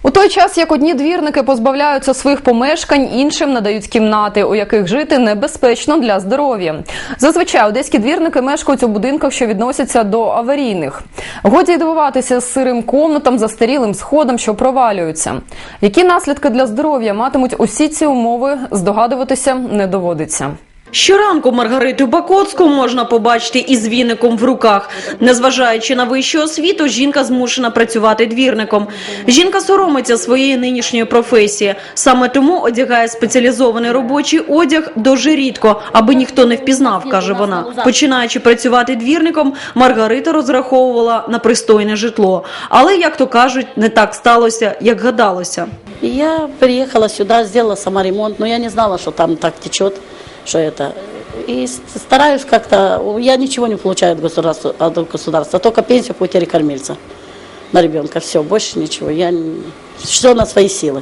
У той час, як одні двірники позбавляються своїх помешкань, іншим надають кімнати, у яких жити небезпечно для здоров'я. Зазвичай одеські двірники мешкають у будинках, що відносяться до аварійних. Годі й дивуватися сирим комнатам, застарілим сходам, що провалюються. Які наслідки для здоров'я матимуть усі ці умови, здогадуватися не доводиться. Щоранку Маргариту Бакоцьку можна побачити із віником в руках. Незважаючи на вищу освіту, жінка змушена працювати двірником. Жінка соромиться своєї нинішньої професії. Саме тому одягає спеціалізований робочий одяг дуже рідко, аби ніхто не впізнав, каже вона. Починаючи працювати двірником, Маргарита розраховувала на пристойне житло. Але, як то кажуть, не так сталося, як гадалося. Я приехала сюда, сделала сама ремонт, но я не знала, что там так течет, что это. И стараюсь как-то, я ничего не получаю от государства, только пенсию по утере кормильца на ребенка, все, больше ничего, все на свои силы.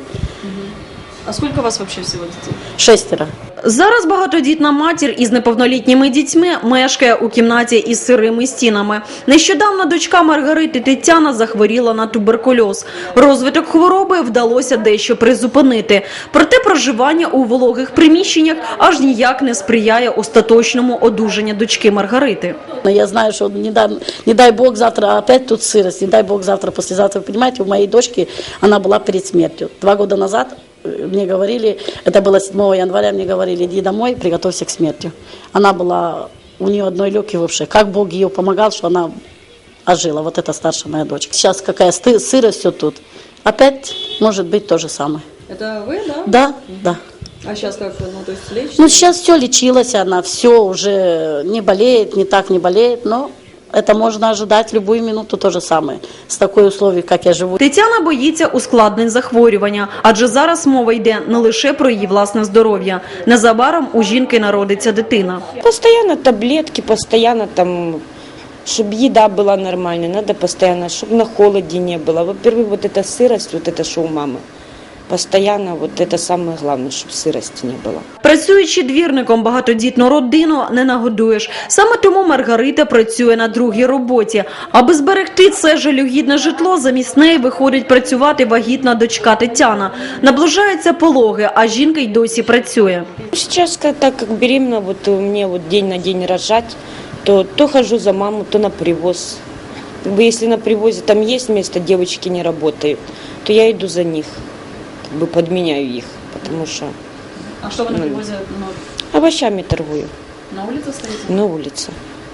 А сколько у вас вообще всего детей? 6. Зараз багатодітна матір із неповнолітніми дітьми мешкає у кімнаті із сирими стінами. Нещодавно дочка Маргарити Тетяна захворіла на туберкульоз. Розвиток хвороби вдалося дещо призупинити. Проте проживання у вологих приміщеннях аж ніяк не сприяє остаточному одужанню дочки Маргарити. Я знаю, что не дай бог завтра опять тут сырость, не дай бог завтра, послезавтра. Вы понимаете, у моей дочки она была перед смертью. 2 года назад мне говорили, это было 7 января, мне говорили, иди домой, приготовься к смерти. Она была, у нее одной легкой вообще. Как Бог ее помогал, что она ожила. Вот это старшая моя дочка. Сейчас какая сырость все тут. Опять может быть то же самое. Это вы, да? Да, да. А сейчас как, то есть лечите? Ну, сейчас все лечилась она, все уже не болеет, не так не болеет, но это можно ожидать в любую минуту то же самое. С такой условием, как я живу. Тетяна боїться ускладнень захворювання, адже зараз мова йде не лише про її власне здоров'я. Незабаром у жінки народиться дитина. Постоянно таблетки, постоянно там, чтобы еда была нормальной, надо постоянно, чтобы на холоде не было. Во-первых, вот эта сырость, вот это что у мамы. Постоянно, вот это самое главное, щоб сирості не було. Працюючи двірником багатодітну родину, не нагодуєш. Саме тому Маргарита працює на другій роботі. Аби зберегти це жалюгідне житло, замість неї виходить працювати вагітна дочка Тетяна. Наближаються пологи, а жінка й досі працює. Сейчас, так как беременна, вот мне вот день на день рожать, то хожу за маму, то на привоз. Как бы если на привозе там есть место, девочки не работают, то я иду за них. Как бы подменяю их, потому что... А что вы на привозе? Овощами торгую. На улице стоите? На улице.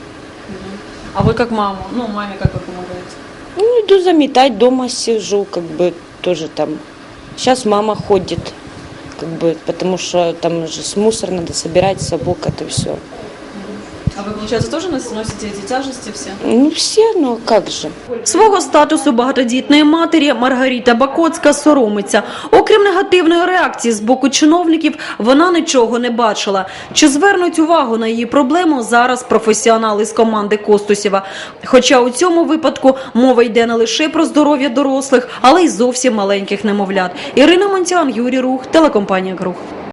А вы как мама? Маме как вы помогаете? Иду заметать, дома сижу, как бы тоже там. Сейчас мама ходит, как бы, потому что там же с мусор надо собирать, собак, это все. А вы, получается, тоже носите эти тяжести все? Ну, все, но как же. Свого статусу багатодітної матері Маргарита Бакоцька соромиться. Окрім негативної реакції з боку чиновників, вона нічого не бачила. Чи звернуть увагу на її проблему зараз професіонали з команди Костусєва? Хоча у цьому випадку мова йде не лише про здоров'я дорослих, але й зовсім маленьких немовлят. Ірина Монтян, Юрій Рух, телекомпанія «Круг».